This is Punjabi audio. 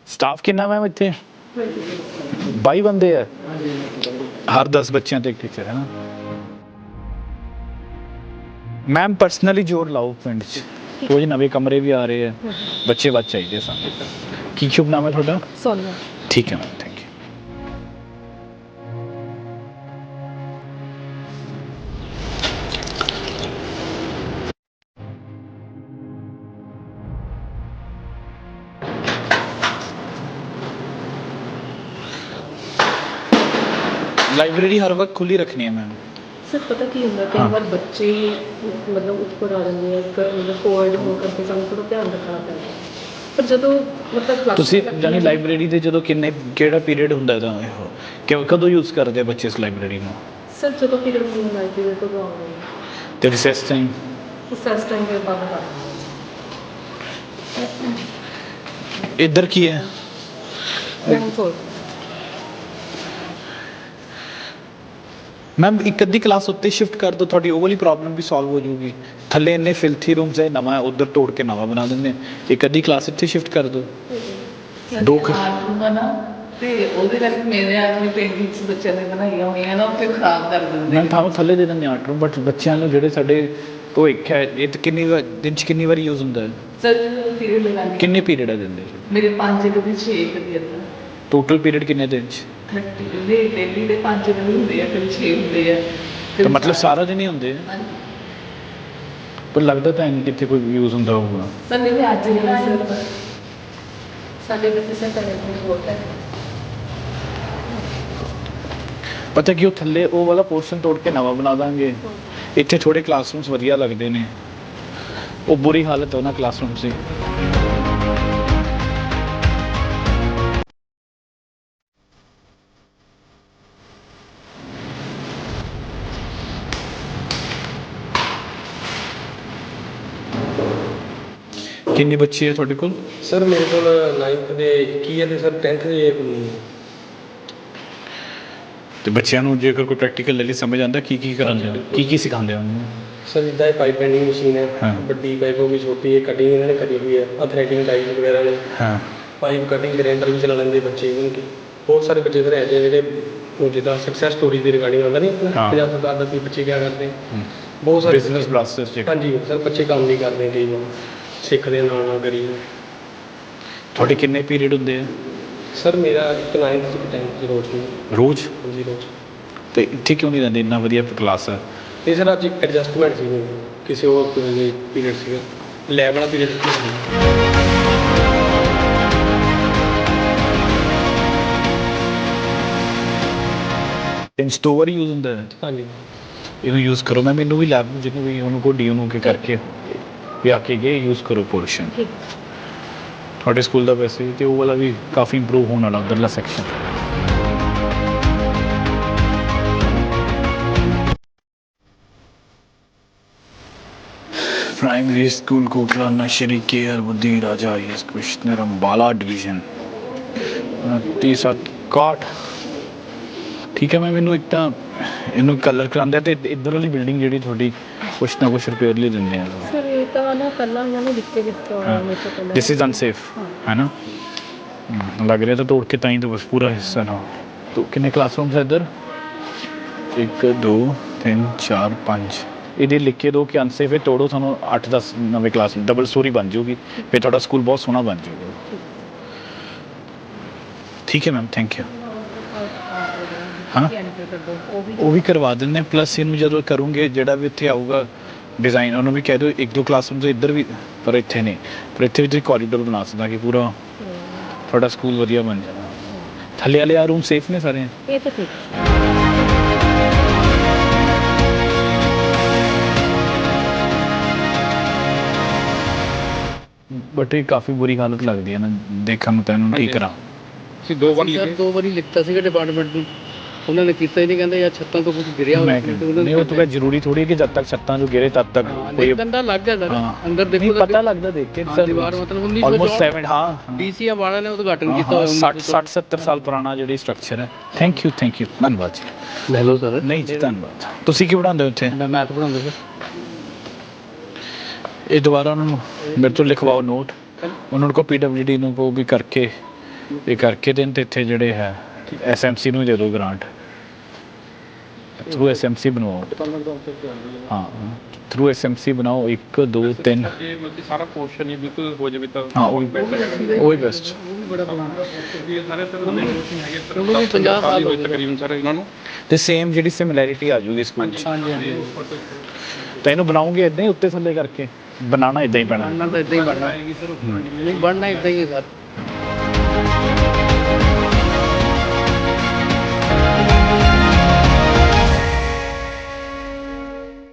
ਸਟਾਫ ਕਿੰਨਾ ਮੈਮ ਇੱਥੇ? 22 ਬੰਦੇ ਆ, ਹਰ 10 ਬੱਚਿਆਂ ਤੇ ਇੱਕ ਟੀਚਰ ਹੈ ਨਾ। ਮੈਮ ਪਰਸਨਲੀ ਜ਼ੋਰ ਲਾਓ ਪਿੰਡ 'ਚ, ਕੁਝ ਨਵੇਂ ਕਮਰੇ ਵੀ ਆ ਰਹੇ ਆ, ਬੱਚੇ ਵੱਧ ਚਾਹੀਦੇ ਸਾਨੂੰ। ਕੀ ਸ਼ੁਭ ਨਾਮ ਹੈ ਤੁਹਾਡਾ? ਸੋਨੀਆ। ਠੀਕ ਹੈ ਮੈਮ, ਥੈਂਕ ਯੂ। ਲਾइब्रेरी हर वक्त खुली रखनी है मैम। सर पता की ਹੁੰਦਾ ਕਈ ਵਾਰ ਬੱਚੇ ਮਤਲਬ ਉੱਪਰ ਆ ਜਾਂਦੇ ਆ, ਮਤਲਬ ਕੋਵਿਡ ਹੋ ਕਰਕੇ ਸਾਨੂੰ ਥੋੜਾ ਧਿਆਨ ਰੱਖਣਾ ਪੈਂਦਾ, ਪਰ ਜਦੋਂ ਮਤਲਬ ਤੁਸੀਂ ਜਾਨੀ ਲਾਇਬ੍ਰੇਰੀ ਦੇ ਜਦੋਂ ਕਿਹੜਾ ਪੀਰੀਅਡ ਹੁੰਦਾ ਤਾਂ ਇਹੋ ਕਦੋਂ ਯੂਜ਼ ਕਰਦੇ ਆ ਬੱਚੇ ਇਸ ਲਾਇਬ੍ਰੇਰੀ ਨੂੰ? ਸਰ ਜਦੋਂ ਪੀਰੀਅਡ ਹੁੰਦਾ ਲਾਇਬ੍ਰੇਰੀ ਤੋਂ ਆਉਂਦੇ ਤੇ ਰਿਸੈਸ ਟਾਈਮ? ਰਿਸੈਸ ਟਾਈਮ ਦੇ ਬਾਅਦ ਇੱਧਰ ਕੀ ਹੈ? मैम एक अद्धी क्लास उत्ते शिफ्ट कर दो, थोड़ी वो वाली प्रॉब्लम भी सॉल्व हो जाएगी। थल्ले इन्ने फिल्थी रूम्स है, नवा उधर तोड़ के नवा बना देंगे। एक अद्धी क्लास इत्थे शिफ्ट कर दो। दो ना ਤੇ ਉਹਦੇ ਕਰਕੇ ਮੇਰੇ ਆਦਮੀ ਪੇਂਟਿੰਗਸ ਬੱਚਿਆਂ ਨੇ ਬਣਾਈਆਂ ਹੋਈਆਂ ਨਾ ਉੱਥੇ ਖਰਾਬ ਕਰ ਦਿੰਦੇ। ਮੈਂ ਤੁਹਾਨੂੰ ਥੱਲੇ ਦੇ ਦਿੰਦੇ 8 ਰੂਮ, ਬਟ ਬੱਚਿਆਂ ਨੂੰ ਜਿਹੜੇ ਸਾਡੇ ਭਵਿੱਖ ਹੈ ਇਹ ਤਾਂ ਕਿੰਨੀ ਵਾਰ ਦਿਨ 'ਚ ਕਿੰਨੀ ਵਾਰੀ ਯੂਜ਼ ਹੁੰਦਾ ਹੈ? ਸਰ ਪੀਰੀਅਡ ਲਗਾਉਂਦੇ ਕਿੰਨੇ ਪੀਰੀਅਡ ਆ ਦਿੰਦੇ? ਮੇਰੇ 5 ਕਦੀ 6 ਕਦੀ ਇੱਦਾਂ। ਟੋਟਲ ਪੀਰੀਅਡ ਕਿੰਨੇ ਦਿਨ 'ਚ? ਡੇਲੀ ਦੇ 5 ਦਿਨ ਹੁੰਦੇ ਆ, ਫਿਰ 6 ਹੁੰਦੇ ਆ। ਤਾਂ ਮਤਲਬ ਸਾਰਾ ਦਿਨ ਹੀ ਹੁੰਦੇ ਆ, ਪਰ ਲੱਗਦਾ ਤਾਂ ਨਹੀਂ ਕਿੱਥੇ ਕੋਈ ਯੂਜ਼ ਹੁੰਦਾ ਹੋਊਗਾ। ਸਰ ਨਹੀਂ ਅੱਜ ਨਹੀਂ ਸਰ ਸਾਡੇ ਬੱਚੇ ਸੇ ਤਾਂ ਬਹੁਤ ਹੈ। ਪਤਾ ਕਿ ਉਹ ਥੱਲੇ ਉਹ ਵਾਲਾ ਪੋਰਸ਼ਨ ਤੋੜ ਕੇ ਨਵਾਂ ਬਣਾ ਦਾਂਗੇ। ਇੱਥੇ ਥੋੜੇ ਕਲਾਸਰੂਮਸ ਵਧੀਆ ਲੱਗਦੇ ਨੇ, ਉਹ ਬੁਰੀ ਹਾਲਤ ਹੈ ਉਹਨਾਂ ਕਲਾਸਰੂਮਸ ਦੀ। ਕਿੰਨੇ ਬੱਚੇ ਹੈ ਤੁਹਾਡੇ ਕੋਲ? ਸਰ ਮੇਰੇ ਕੋਲ 9th ਦੇ 21 ਹੈ ਤੇ ਸਰ 10th ਦੇ 19 ਹੈ। ਤੇ ਬੱਚਿਆਂ ਨੂੰ ਜੇਕਰ ਕੋਈ ਪ੍ਰੈਕਟੀਕਲ ਲੈ ਲਈ ਸਮਝ ਆਉਂਦਾ ਕੀ ਕਰਾਉਂਦੇ ਹੋ, ਕੀ ਸਿਖਾਉਂਦੇ ਹੋ ਉਹਨੂੰ? ਸਰ ਜਿੱਦਾਂ ਇਹ ਪਾਈਪ ਬੈਂਡਿੰਗ ਮਸ਼ੀਨ ਹੈ, ਹਾਂ। ਵੱਡੀ ਪਾਈਪ ਹੋ ਗਈ, ਛੋਟੀ ਹੈ, ਕਟਿੰਗ ਇਹਨਾਂ ਨੇ ਕਰੀ ਹੋਈ ਹੈ, ਥ੍ਰੈਡਿੰਗ ਟਾਈਪ ਵਗੈਰਾ ਨੇ, ਹਾਂ। ਪਾਈਪ ਕਟਿੰਗ ਗ੍ਰੈਂਡਰ ਵੀ ਚਲਾ ਲੈਂਦੇ ਬੱਚੇ। ਇਵਨ ਕਿ ਬਹੁਤ ਸਾਰੇ ਬੱਚੇ ਸਰ ਐਸੇ ਜਿਹੜੇ ਜਿੱਦਾਂ ਸਕਸੈਸ ਸਟੋਰੀ ਦੀ ਰਿਗਾਰਡਿੰਗ ਆਉਂਦਾ ਨਹੀਂ ਆਪਣਾ 50 ਸਾਲ ਦੇ ਬੱਚੇ ਕਿਆ ਕਰਦੇ, ਬਹੁਤ ਸਾਰੇ ਬਿਜ਼ਨਸ ਬਲਾਸਟਰਸ ਚ। ਹਾਂਜੀ ਸਰ ਬੱਚੇ ਕੰਮ ਵੀ ਕਰਦੇ ਕਈ ਵਾਰ, ਸਿੱਖਦੇ ਨਾਲ ਨਾਲ ਕਰੀ। ਤੁਹਾਡੇ ਕਿੰਨੇ ਪੀਰੀਅਡ ਹੁੰਦੇ ਆ? ਸਰ ਮੇਰਾ ਇੱਕ 9th ਤੇ 10th ਦੀ ਰੋਜ਼ ਦੀ। ਰੋਜ਼? ਹਾਂਜੀ ਰੋਜ਼। ਤੇ ਇੱਥੇ ਕਿਉਂ ਨਹੀਂ ਰਹਿੰਦੇ, ਇੰਨਾ ਵਧੀਆ ਕਲਾਸ ਹੈ? ਇਹ ਸਰ ਅੱਜ ਐਡਜਸਟਮੈਂਟ ਸੀ, ਕਿਸੇ ਹੋਰ ਪੀਰੀਅਡ ਸੀਗਾ, ਲੈਬ ਵਾਲਾ ਪੀਰੀਅਡ। ਦਿਨ 'ਚ 2 ਵਾਰੀ ਯੂਜ਼ ਹੁੰਦਾ ਹੈ? ਹਾਂਜੀ। ਇਹਨੂੰ ਯੂਜ਼ ਕਰੋ। ਮੈਂ ਮੈਨੂੰ ਵੀ ਲੈਬ ਨੂੰ ਜਿਹਨੂੰ ਵੀ ਉਹਨੂੰ ਕੋ ਡੀ ਨੂੰ ਕੇ ਕਰਕੇ ਵੀ ਆ ਕੇ ਗਏ ਯੂਜ਼ ਕਰੋ ਪੋਰਸ਼ਨ। ਤੁਹਾਡੇ ਸਕੂਲ ਦਾ ਵੈਸੇ ਤੇ ਉਹ ਵਾਲਾ ਵੀ ਕਾਫੀ ਇੰਪਰੂਵ ਹੋਣ ਵਾਲਾ ਉਧਰਲਾ section. Primary school Kotla Nasri care बुद्धि राजा एस कृष्ण अंबाला डिवीजन 2961। ठीक है मैं मैनू एक तो ਇਹਨੂੰ ਕਲਰ ਕਰਾਉਂਦੇ ਤੇ ਇੱਧਰ ਵਾਲੀ ਬਿਲਡਿੰਗ ਜਿਹੜੀ ਤੁਹਾਡੀ ਕੁਛ ਨਾ ਕੁਛ ਰਿਪੇਅਰ ਲਈ ਦਿੰਦੇ ਆ। ਸਰ ਇਹ ਤਾਂ ਨਾ ਪਹਿਲਾਂ ਇਹਨਾਂ ਨੇ ਦਿੱਤੇ ਦਿੱਤਾ ਹੋਇਆ ਮੇਰੇ ਤੋਂ ਪਹਿਲਾਂ। दिस इज अनसेफ है ना? लग रहा था तोड़ के ताई तो बस पूरा हिस्सा ना। तो कितने क्लासरूम्स है इधर? 1 2 3 4 5। ਇਹਦੇ ਲਿਖ ਕੇ ਦਿਓ ਕਿ ਅਨਸੇਫ ਹੈ, ਤੋੜੋ, ਤੁਹਾਨੂੰ 8-10 ਨਵੇਂ ਕਲਾਸ ਡਬਲ ਸਟੋਰੀ ਬਣ ਜਾਊਗੀ, ਫਿਰ ਤੁਹਾਡਾ ਸਕੂਲ ਬਹੁਤ ਸੋਹਣਾ ਬਣ ਜਾਊਗਾ। ਠੀਕ ਹੈ ਮੈਮ, ਥੈਂਕ ਯੂ। ਹਾਂ ਉਹ ਵੀ ਕਰਵਾ ਦਿੰਦੇ, ਪਲੱਸ ਇਹਨੂੰ ਜਦੋਂ ਕਰੂੰਗੇ ਜਿਹੜਾ ਵੀ ਇੱਥੇ ਆਊਗਾ ਡਿਜ਼ਾਈਨ ਉਹਨੂੰ ਵੀ ਕਹਿ ਦਿਓ 1-2 ਕਲਾਸਰੂਮ ਤੋਂ ਇੱਧਰ ਵੀ, ਪਰ ਇੱਥੇ ਨਹੀਂ, ਪਰ ਇੱਥੇ ਵੀ ਤੁਸੀਂ ਕੋਰੀਡੋਰ ਬਣਾ ਸਕਦਾ ਕਿ ਪੂਰਾ ਤੁਹਾਡਾ ਸਕੂਲ ਵਧੀਆ ਬਣ ਜਾਣਾ। ਥੱਲੇ ਵਾਲੇ ਆ ਰੂਮ ਸੇਫ ਨੇ ਸਾਰੇ? ਇਹ ਤਾਂ ਠੀਕ। ਬਟ ਇਹ ਕਾਫੀ ਬੁਰੀ ਹਾਲਤ ਲੱਗਦੀ ਹੈ ਨਾ ਦੇਖਣ ਨੂੰ, ਤੈਨੂੰ ਠੀਕ ਕਰਾਂ। ਅਸੀਂ 2 ਵਾਰੀ ਲਿਖਤਾ ਸੀਗਾ ਡਿਪਾਰਟਮੈਂਟ ਨੂੰ, ਉਹਨਾਂ ਨੇ ਕੀਤਾ ਹੀ ਨਹੀਂ, ਕਹਿੰਦੇ ਯਾਰ ਛੱਤਾਂ ਤੋਂ ਕੁਝ ਗਿਰਿਆ ਹੋਇਆ। ਨਹੀਂ ਉਹ ਤਾਂ ਜ਼ਰੂਰੀ ਥੋੜੀ ਹੈ ਕਿ ਜਦ ਤੱਕ ਛੱਤਾਂ ਜੋ ਗਿਰੇ ਤਦ ਤੱਕ ਕੋਈ ਗੰਦਾ ਲੱਗ ਗਿਆ ਸਰ ਅੰਦਰ। ਨਹੀਂ ਦੇਖੋ ਪਤਾ ਲੱਗਦਾ ਦੇਖ ਕੇ ਸਰ, ਦੀਵਾਰ ਮਤਲਬ 1907 ਹਾਂ ਡੀਸੀਆ ਵਾਲਾ ਨੇ ਉਦਘਾਟਨ ਕੀਤਾ ਹੋਇਆ। 60-70 ਸਾਲ ਪੁਰਾਣਾ ਜਿਹੜੀ ਸਟਰਕਚਰ ਹੈ। ਥੈਂਕ ਯੂ ਧੰਨਵਾਦ ਜੀ। ਲੈ ਲਓ ਸਰ। ਨਹੀਂ ਜੀ ਧੰਨਵਾਦ। ਤੁਸੀਂ ਕੀ ਪੜ੍ਹਾਉਂਦੇ ਹੋ ਇੱਥੇ? ਮੈਂ ਮੈਥ ਪੜ੍ਹਾਉਂਦਾ ਸਰ। ਇਹ ਦੁਬਾਰਾ ਉਹਨਾਂ ਨੂੰ ਮੇਰੇ ਤੋਂ ਲਿਖਵਾਓ ਨੋਟ, ਉਹਨਾਂ ਨੂੰ ਕੋ PWD ਨੂੰ ਕੋ ਵੀ ਕਰਕੇ ਇਹ ਕਰਕੇ ਦੇਣ ਤੇ ਇੱਥੇ ਜਿਹੜੇ ਹੈ ਐਸਐਮਸੀ ਨੂੰ ਦੇ ਦਿਓ ਗ੍ਰਾਂਟ ਥਰੂ ਐਸਐਮਸੀ ਬਣਵਾਓ ਹਾਂ ਥਰੂ ਐਸਐਮਸੀ ਬਣਾਓ 1 2 3 ਜੇ ਮਤਲਬ ਸਾਰਾ ਪੋਰਸ਼ਨ ਹੀ ਬਿਲਕੁਲ ਹੋ ਜਾਵੇ ਤਾਂ ਹਾਂ ਉਹ ਹੀ ਬੈਸਟ ਬੜਾ ਪਲਾਨ ਇਹ ਸਾਰੇ ਤਰ੍ਹਾਂ ਦੇ ਕੋਚਿੰਗ ਹੈਗੇ ਉਹਨੂੰ ਵੀ 50 ਸਾਲ ਹੋ ਗਏ ਤਕਰੀਬਨ ਸਰ ਇਹਨਾਂ ਨੂੰ ਤੇ ਸੇਮ ਜਿਹੜੀ ਸਿਮਿਲੈਰਿਟੀ ਆ ਜੂਗੀ ਸਕੂਲ 'ਚ ਤਾਂ ਇਹਨੂੰ ਬਣਾਉਂਗੇ ਇਦਾਂ ਹੀ ਉੱਤੇ ਥੱਲੇ ਕਰਕੇ ਬਣਾਉਣਾ ਇਦਾਂ ਹੀ ਪੈਣਾ ਤਾਂ ਇਦਾਂ ਹੀ ਬਣਨਾ ਨਹੀਂ ਬਣਨਾ ਇਦਾਂ ਹੀ ਹੈ ਸਰ